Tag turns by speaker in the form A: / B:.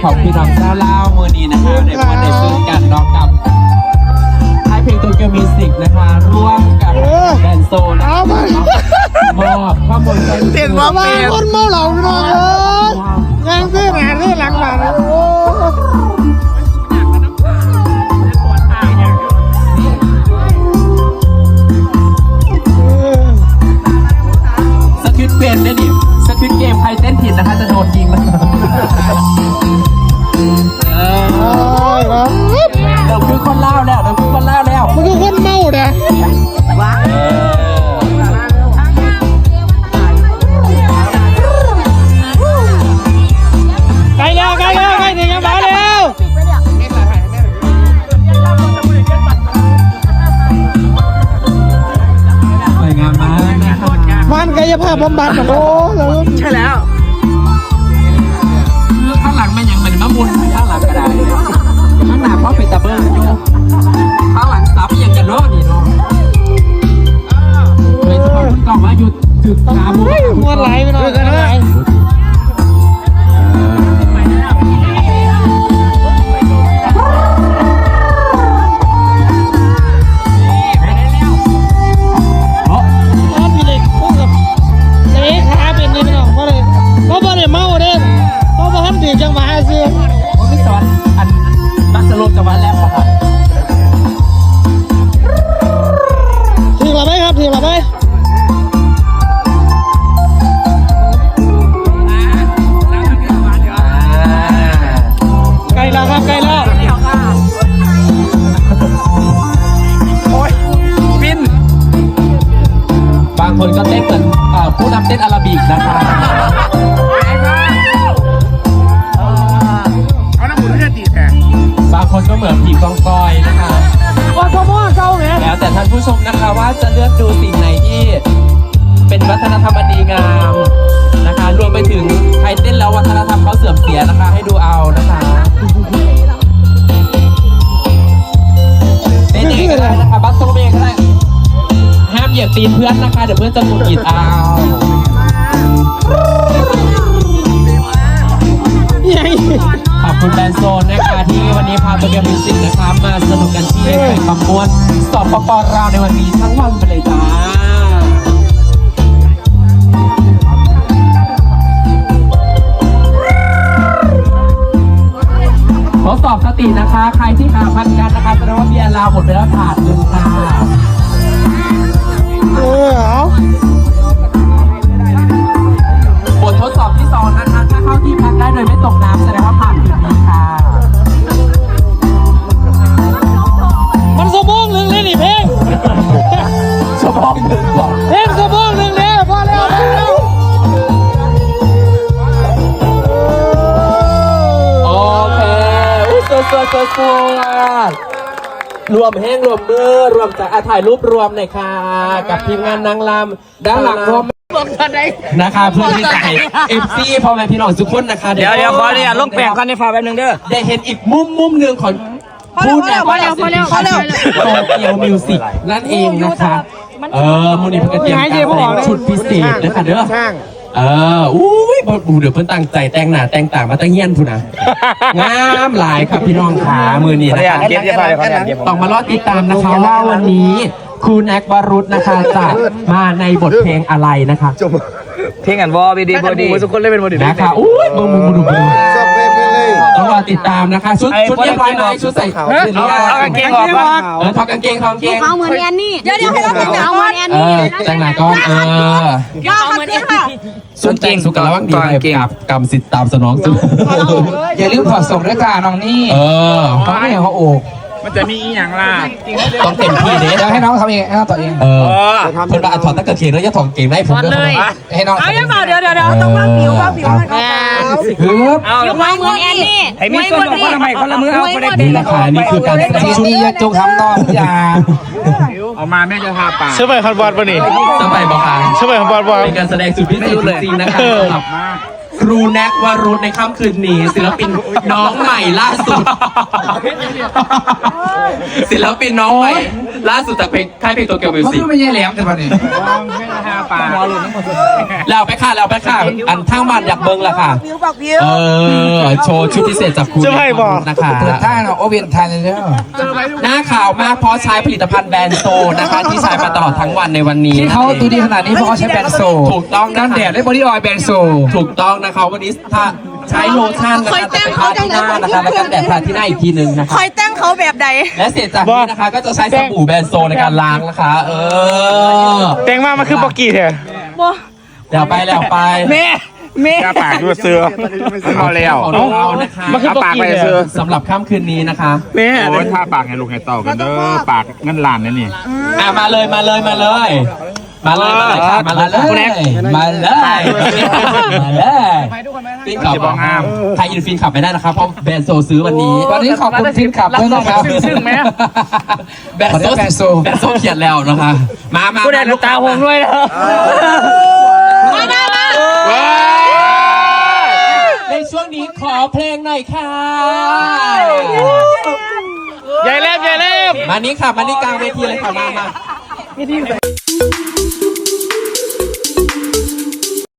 A: ของพี่น้องเจ้าเล่ามือนี้นะคะในวันในซื้อกันร้องกับให้เพลงตัวเกียวมิวสิกนะคะร่วมกับแดนโซนะคะมอบข้อมูลเต้นว่าบ้านคนเมาเหล่าพี่น้องยังซื้อหนาซื้อหลังบ้านสควิตเกมเนี่ยดิสควิตเกมใครเต้นผิดนะคะจะโดนยิงแล้วเราคือคนเล่าแล้วเราคือคนเล่าแล้วมันคือคนเมาเนี่ยว้าใกล้แล้วใกล้แล้วใกล้ถึงยังมาแล้วสวยงามมากนะครับมันกายภาพบำบัดโอ้ใช่แล้วคือข้างหลังมันยังเป็นมะมุนข้างหลังก็ได้ข้างหน้าเพราะเป็นตะเบิ้ลอยู่ข้างหลังซับยังกันเนาะนี่เนาะเลยทุกคนกล่องว่าหยุดถึกขาบุ้มวนไหลไปหน่อยกันเลยจังหวะสิผมพี่สอนอันบัสโลจังหวะแรกครับทีละไหมครับทีละไหมไกลแล้วครับไกลแล้วโอ้ยบินบางคนก็เต้นเหมือนผู้นำเต้นอาราบิกนะครับบางคนก็เหมือนผีกองกอยนะคะแล้วแต่ท่านผู้ชมนะคะว่าจะเลือกดูสิ่งไหนที่เป็นวัฒนธรรมอันดีงามนะคะรวมไปถึงใครเต้นแล้ววัฒนธรรมเขาเสื่อมเสียนะคะให้ดูเอานะคะเต้นเองก็ได้นะคะบัสโซเมก็ได้ห้ามเหยียบตีนเพื่อนนะคะเดี๋ยวเพื่อนจะหงุดหงิดเอาขอบคุณแบรนด์โซนนะคะที่วันนี้พาตัวเกียวมิวสิกนะคะมาสนุกกันที่ไข่ความม้วนสอบปปเราในวันนี้ทั้งวันไปเลยจ้าทดสอบสตินะคะใครที่ขาพันกันนะคะแสดงว่าเบียร์ลาวหมดไปแล้วถาดหนึ่งค่ะบททดสอบที่2นะคะถ้าเข้าที่พักได้โดยไม่ตกน้ำแสดงว่าผ่านคืนนี้ค่ะมันสมองหนึ่งเลยนี่เพลงสมองหนึ่งเพลงสมองหนึ่งเลยพอแล้วโอเคสวยรวมแห้งรวมมือรวมจากถ่ายรูปรวมหน่อยค่ะกับทีมงานนางรำด้านหลังรวมนะคะเพื่อที่จะให้FCพ่อแม่พี่น้องทุกคนนะคะ
B: เดี๋ยวขอเนี่ยลงแปลงกันในฝาแป๊บนึงเด้อ
A: ได้เห็นอีกมุมหนึ่งของผู้นำโตเกียวมิวสิกนั่นเองนะคะมูนิพักเตรียมการแสดงชุดพิเศษนะคะเด้ออุ้ยเดี๋ยวเพิ่นตั้งใจแต่งหน้าแต่งตามาตั้งเงี้ยนพูนะงามหลายครับพี่น้องขามือนี่นะคะต้องมารอติดตามนะคะว่าวันนี้ครูแน็กวรุษนะคะจะมาในบทเพลงอะไรนะคะ
B: เพลงอันวอบีดีบอดีทุกคนเล่นเป็นบอดี
A: นะคะอุ้ยมึงต้องรอติดตามนะคะชุดเรียบร้อยไหมชุดใส่ขาว
B: เอากางเกงออก
A: ถอดกางเกง
C: เอาเหมือนแอนนี่เดี๋ยวให้เราแต่งเอาเหมือนแอนนี่
A: แต่งหน้าก้อน
C: เอาเหมือนแอนนี่
A: สุดเก่งสุกระวังดีกับกรรมสิทธิ์ตามสนองสุด
B: อย่าลืมถอดส่งด้วยค่ะน้องนี่
A: เขาไม่เขาโอก
B: มันจะมีอย่างล่ะ
A: ต้องเต็มที่เด้
B: ให้น้องทำเองให้น้องต่อเอง
A: เพื่อนถอดตั้งกางเกงแล้วจะถอดเกงได้ผม
C: เลย
B: ให้น้อง
C: เอาอย่างเดี๋ยวต้องวางผิว
A: เอา
C: เหมือนแอนนี่
B: ให้มีส่วนของคนละไม้คนละมือเอาไปได้
A: นี่แหละค่ะนี่คือการ
B: ชุดนี้จะจุกทำน้องอย่าเอามาแม่จะทาปาก
D: เชื่อไหมคันบอลป่ะนี่
A: สบายบอกค่ะ
D: เชื่อไหมคันบอล
A: เป็นการแสดงสุดพิเศษจริงๆนะคะครูแน็กวรุธในค่ำคืนนี้ศิลปินน้องใหม่ล่าสุด ศิลปินน้องใหม่ล่าสุดจากเพลงค่ายเพลงโตเกียวมิว
B: เขา
A: สิก
B: ไม่ใช่แหลมแต่วันนี้
A: แล้วไปค่ะแล้วไปค่ะอันทั้งบ้านอยากเบิ้งละค่ะโชว์ชุดพิเศษจากคุณนะคะ
B: เปิดท่าเนาะโอเวียนไทยเลยเด้อ
A: หน้าข่าวมากเพราะใช้ผลิตภัณฑ์แบรนด์โซนะคะ ที่ใช้มาตลอดทั้งวันในวันนี้
B: ที่เขาตัวดีขนาดนี้เพราะเขาใช้แบรนด์โซ
A: ถูกต้องนะ
B: กันแดดและบอดี้ออยล์แบรนด์โซ
A: ถูกต้องนะคะวันนี้ถ้าใช้โลชั่นนะคะจะไปทาที่หน้านะคะแล้วกันแดดทาที่หน้าอีกทีหนึ่งนะคะ
C: คอยแต่งเขาแบบใด
A: และเสร็จจากนี้นะคะก็จะใช้สบู่แบรนด์โซในการล้างนะคะ
D: แต่งมามันคือปอกกี้เถอะ
C: บ่
A: แล้วไปแล้วไป
D: แม่กาปากดูเสือพอแล้ว
A: ของเรานะคะ
D: มันคือปากไปเสือ
A: สำหรับค่ำคืนนี้นะคะ
D: แม่
E: โอ้ยถ้าปากให้ลูกให้เต่ากันเด้อปากเงินล้านนี่นี่
A: มาเลยค่ะมาเลยมาเลยมาเลยมาเลยฟินขับไทยอินฟินขับไปได้นะครับเพราะแบรนด์โซซื้อวันนี้
B: วันนี้ขอบคุณทีมขับด้วยนะครับ
D: ซึ่งไหม
A: แบรนด์โซเขียนแล้วนะคะมา
D: กูได้ตาผมด้วยนะ
C: มา
A: ในช่วงนี้ขอเพลงหน่อยค่ะ
D: ใหญ่เล่ม
A: มานี้ค่ะมานี่กลางเวทีเลยค่ะมา